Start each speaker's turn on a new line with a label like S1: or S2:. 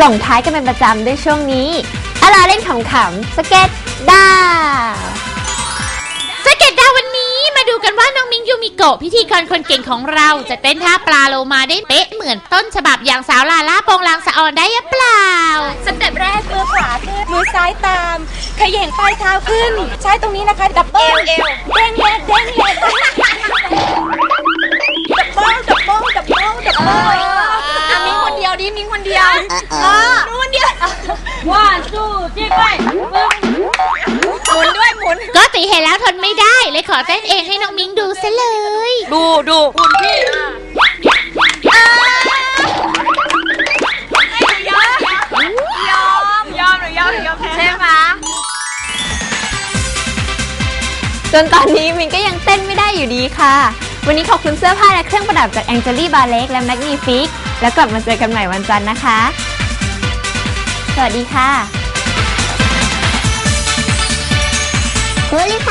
S1: ส่งท้ายกันเป็นประจำด้วยช่วงนี้เล่นขำๆสเก็ตดาว
S2: สเก็ตดาววันนี้มาดูกันว่าน้องมิ้งยูมิโกะพิธีกรคนเก่งของเราจะเต้นท่าปลาโลมาได้เป๊ะเหมือนต้นฉบับอย่างสาวลาล่าโปงลางสะออนได้หรือเปล่า
S3: สเต็ปแรกมือขวาขึ้นมือซ้ายตามขย่งปลายเท้าขึ้นใช้ตรงนี้นะคะดับเบิ้ลเอวเด้งแยกดับเบิ้ลมิ้งคนเดียวดิมิ้งคนเดียวนู้นคนเดียวว่าสู้จี้ไปหมุนด้วยหมุน
S2: ก็ตีเห็นแล้วทนไม่ได้เลยขอเต้นเองให้น้องมิ้งดูซะเลย
S3: ดูหุ่นพี่ยอมใช่ไหม
S1: จนตอนนี้มินก็ยังเต้นไม่ได้อยู่ดีค่ะวันนี้ขอบคุณเสื้อผ้าและเครื่องประดับจากแองเจลี่บาเล็กและแมกนีฟิกแล้วกลับมาเจอกันใหม่วันจันทร์นะคะสวัสดีค่ะ
S4: โพลิพ